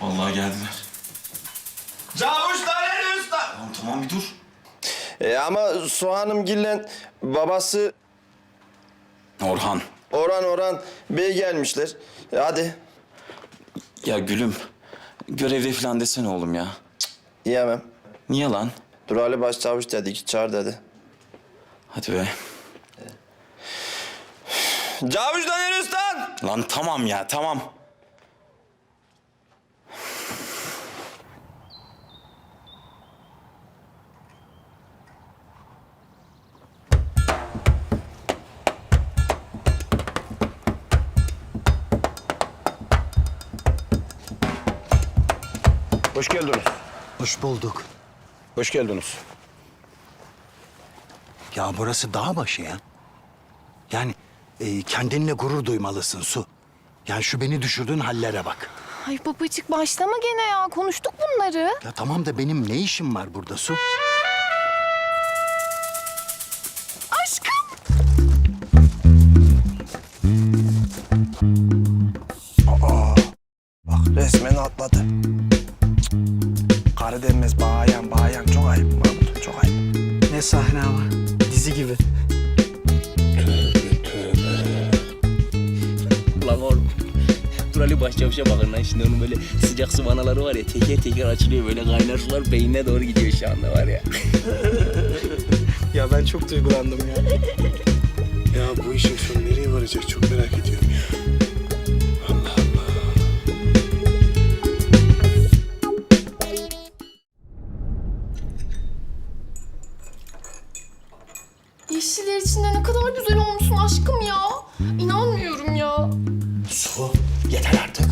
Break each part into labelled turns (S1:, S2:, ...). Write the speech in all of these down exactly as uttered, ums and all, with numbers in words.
S1: Vallahi geldiler.
S2: Cavuş Taner Usta!
S1: Tamam tamam bir dur.
S3: E, ama Soğanımgil'le babası
S1: Orhan.
S3: Orhan Orhan Bey gelmişler. E, hadi.
S1: Ya gülüm. Görevde falan desene oğlum ya.
S3: Yiyemem.
S1: Niye lan?
S3: Dur Ali Başçavuş dedi ki çağır dedi.
S1: Hadi be.
S3: Cavuş Taner Usta!
S1: Lan tamam ya tamam.
S4: Hoş geldiniz.
S5: Hoş bulduk.
S4: Hoş geldiniz.
S5: Ya burası dağ başı ya. Yani e, kendinle gurur duymalısın Su. Yani şu beni düşürdüğün hallere bak.
S6: Ay babacık başlama gene ya. Konuştuk bunları.
S5: Ya tamam da benim ne işim var burada Su?
S6: Aşkım.
S2: Bak resmen atladı. Cık. Karı denmez bayan bayan. Çok ayıp Mahmut, çok ayıp.
S7: Ne sahne ama. Dizi gibi.
S8: Ulan oğlum. Dur Ali Başçavuş'a bakın lan şimdi onun böyle sıcak su vanaları var ya teker teker açılıyor böyle kaynar sular beynine doğru gidiyor şu anda var ya.
S7: Ya ben çok duygulandım ya.
S4: Ya bu işin sonu nereye varacak çok merak ediyorum ya. Allah Allah.
S6: Yeşiller içinde ne kadar güzel olmuşsun aşkım ya. İnanmıyorum ya.
S5: Su yeter artık.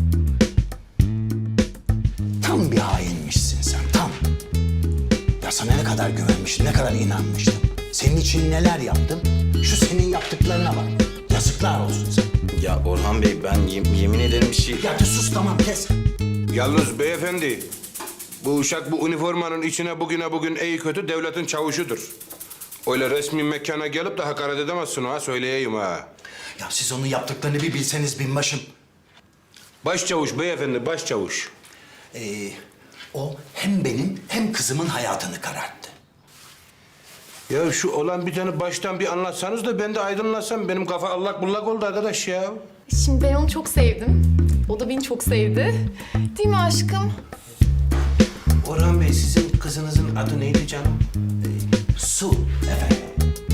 S5: Tam bir hainmişsin sen tam. Ya sana ne kadar güvenmiştim, ne kadar inanmıştım. Senin için neler yaptım? Şu senin yaptıklarına bak. Yazıklar olsun sana.
S1: Ya Orhan Bey ben yem- yemin ederim bir şey...
S5: Ya de sus tamam kes.
S4: Yalnız beyefendi, bu uşak bu üniformanın içine bugüne bugün iyi kötü devletin çavuşudur. Öyle resmi mekana gelip de hakaret edemezsin ha, söyleyeyim ha.
S5: Ya siz onun yaptıklarını bir bilseniz binbaşım.
S4: Başçavuş beyefendi, başçavuş.
S5: Ee, o hem benim hem kızımın hayatını kararttı.
S4: Ya şu olan biteni baştan bir anlatsanız da ben de aydınlatsam. Benim kafa allak bullak oldu arkadaş ya.
S6: Şimdi ben onu çok sevdim. O da beni çok sevdi. Değil mi aşkım?
S4: Orhan Bey, sizin kızınızın adı neydi canım?
S5: Su efendim.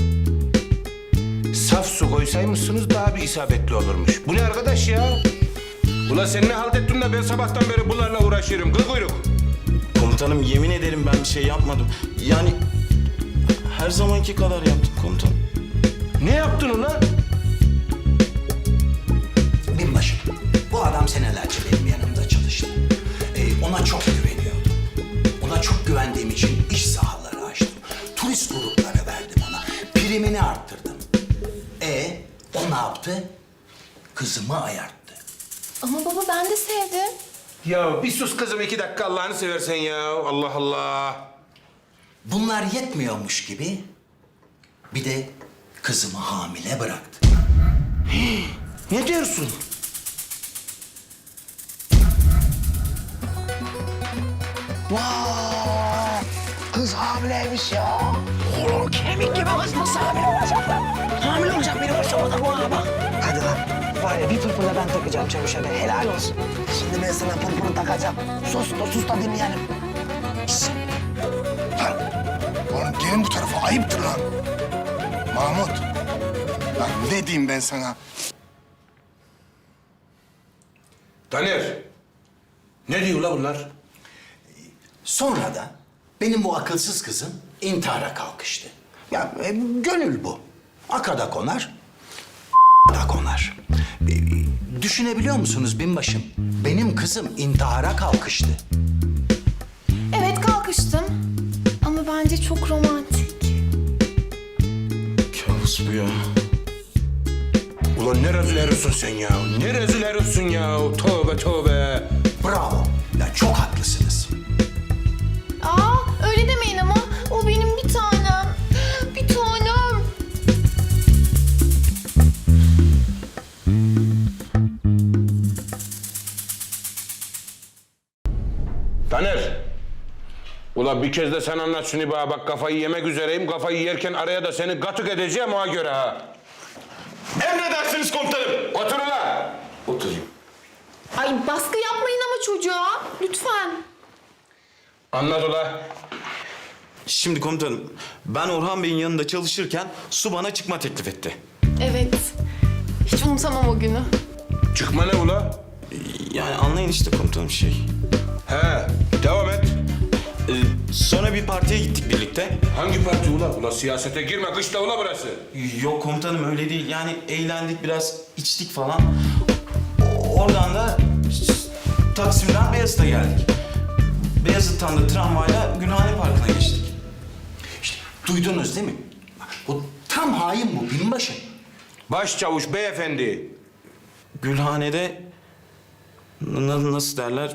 S4: Saf su koysaymışsınız daha bir isabetli olurmuş. Bu ne arkadaş ya? Ula sen ne halt ettin de ben sabahtan beri bunlarla uğraşıyorum. Kıl kuyruk.
S1: Komutanım yemin ederim ben bir şey yapmadım. Yani her zamanki kadar yaptım komutanım.
S4: Ne yaptın ulan?
S5: Binbaşım, bu adam senelerce benim yanımda çalıştı. Ee, ona çok güveniyordum. Ona çok güvendiğim için iş sahaları açtım. Turist grupları verdim ona. Primini arttırdım. E o ne yaptı? Kızımı ayarttı.
S6: Ama baba ben de sevdim.
S4: Ya bir sus kızım iki dakika Allah'ını seversen ya. Allah Allah.
S5: Bunlar yetmiyormuş gibi bir de kızımı hamile bıraktı.
S4: Ne diyorsun?
S2: Vay! Kız hamileymiş ya. Oğlum kemik gibi kız nasıl hamile olacak lan? Hamile olacak biri varsa orada bu ha bak. Hadi lan. Var ya bir pırpırla ben takacağım çavuşa be. Helal olsun. Şimdi ben sana pırpırı takacağım. Sus da sus da dinleyelim. Şişt. Lan. Oğlum gelin bu tarafa. Ayıptır lan. Mahmut. Lan ne diyeyim ben sana?
S4: Taner. Ne diyor la bunlar?
S5: Sonra da benim bu akılsız kızım intihara kalkıştı. Ya e, gönül bu. Akada konar, da konar. E, e, düşünebiliyor musunuz binbaşım? Benim kızım intihara kalkıştı.
S6: Evet kalkıştım. Ama bence çok romantik.
S1: Kabus bu ya.
S4: Ulan ne rezil herifsin sen ya? Ne rezil herifsin ya? Tövbe tövbe.
S5: Bravo. Ya çok haklısınız.
S6: Aa öyle demeyin ama o benim bir tane.
S4: Ya bir kez de sen anlat şunu bana. Bak kafayı yemek üzereyim. Kafayı yerken araya da seni gatık edeceğim ona göre ha.
S1: Emredersiniz komutanım.
S4: Otur ulan.
S1: Oturayım.
S6: Ay baskı yapmayın ama çocuğa. Lütfen.
S4: Anlat ula.
S1: Şimdi komutanım, ben Orhan Bey'in yanında çalışırken su bana çıkma teklif etti.
S6: Evet. Hiç unutamam o günü.
S4: Çıkma ne ula?
S1: Yani anlayın işte komutanım şey.
S4: He, devam et.
S1: Ee, sonra bir partiye gittik birlikte.
S4: Hangi parti ula? Ula siyasete girme, kışla ula burası.
S1: Yok komutanım öyle değil. Yani eğlendik biraz, içtik falan. Oradan da Taksim'den Beyazıt'a geldik. Beyazıt'tan da tramvayla Gülhane Parkı'na geçtik.
S5: İşte duydunuz değil mi? Bu tam hain bu binbaşı.
S4: Başçavuş beyefendi.
S1: Gülhane'de n- nasıl derler?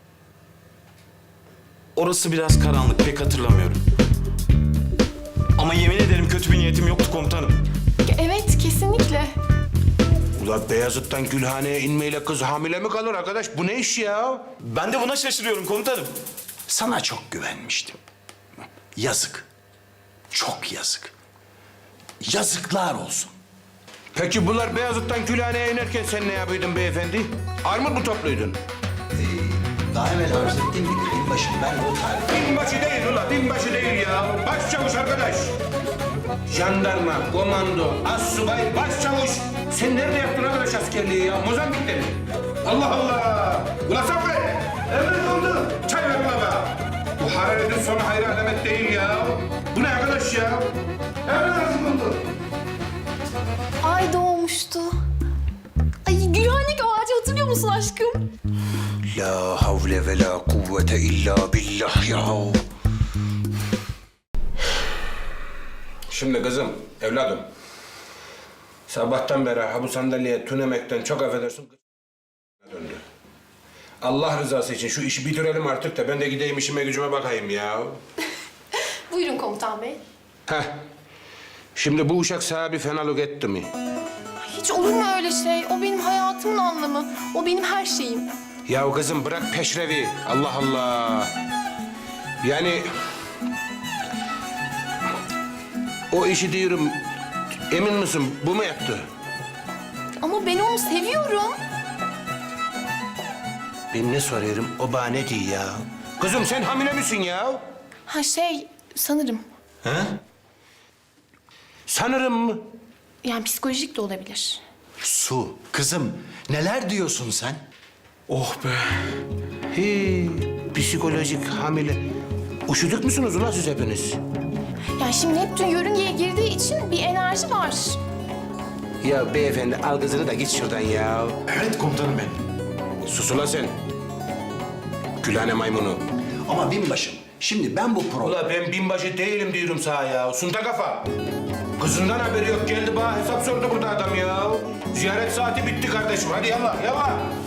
S1: Orası biraz karanlık, pek hatırlamıyorum. Ama yemin ederim kötü bir niyetim yoktu komutanım.
S6: Evet kesinlikle.
S4: Ula Beyazıt'tan Gülhane'ye inmeyle kız hamile mi kalır arkadaş? Bu ne iş ya?
S1: Ben de buna şaşırıyorum komutanım.
S5: Sana çok güvenmiştim. Yazık. Çok yazık. Yazıklar olsun.
S4: Peki bunlar Beyazıt'tan Gülhane'ye inerken sen ne yapıyordun beyefendi? Armut mu topluydun?
S5: Daha evvel arz ettiğim gibi binbaşım ben o tarih...
S4: Binbaşı değil ula, binbaşı değil ya. Başçavuş arkadaş. Jandarma, komando, assubay, başçavuş. Sen nerede yaptın arkadaş askerliği ya? Mozambik'te mi? Allah Allah! Ula Saffet! Emret oldu. Çay ver ula be. Bu hararetin sonu hayır alamet değil ya. Bu ne arkadaş ya? Emret oldu.
S6: Ay doğmuştu. Ay Gülhane ağacı hatırlıyor musun aşkım?
S5: La havle ve la kuvvete illa billah ya.
S4: Şimdi kızım, evladım. Sabahtan beri ha bu sandalyeye tünemekten çok affedersin döndü. Allah rızası için şu işi bitirelim artık da ben de gideyim işime gücüme bakayım ya.
S6: Buyurun komutan bey.
S4: Heh. Şimdi bu uşak sana bir fenalık etti mi?
S6: Hiç olur mu öyle şey? O benim hayatımın anlamı. O benim her şeyim.
S4: Ya kızım bırak peşrevi. Allah Allah. Yani... O işi diyorum, emin misin bu mu yaptı?
S6: Ama ben onu seviyorum.
S4: Ben ne soruyorum, o bana ne diyor ya? Kızım sen hamile misin ya?
S6: Ha şey sanırım.
S1: He?
S4: Sanırım mı?
S6: Yani psikolojik de olabilir.
S5: Su, kızım neler diyorsun sen?
S1: Oh be.
S4: He, psikolojik hamile. Üşüdük müsünüz ulan siz hepiniz?
S6: Yani şimdi Neptün yörüngeye girdiği için bir enerji var.
S4: Ya beyefendi al kızını da git şuradan ya.
S1: Evet komutanım benim.
S4: Sus ulan sen. Gülhane maymunu.
S5: Ama binbaşım şimdi ben bu pro...
S4: Ula ben binbaşı değilim diyorum sana ya. Sunta kafa. Kızından haberi yok. Geldi bana hesap sordu burada adam ya. Ziyaret saati bitti kardeşim. Hadi yallah yallah.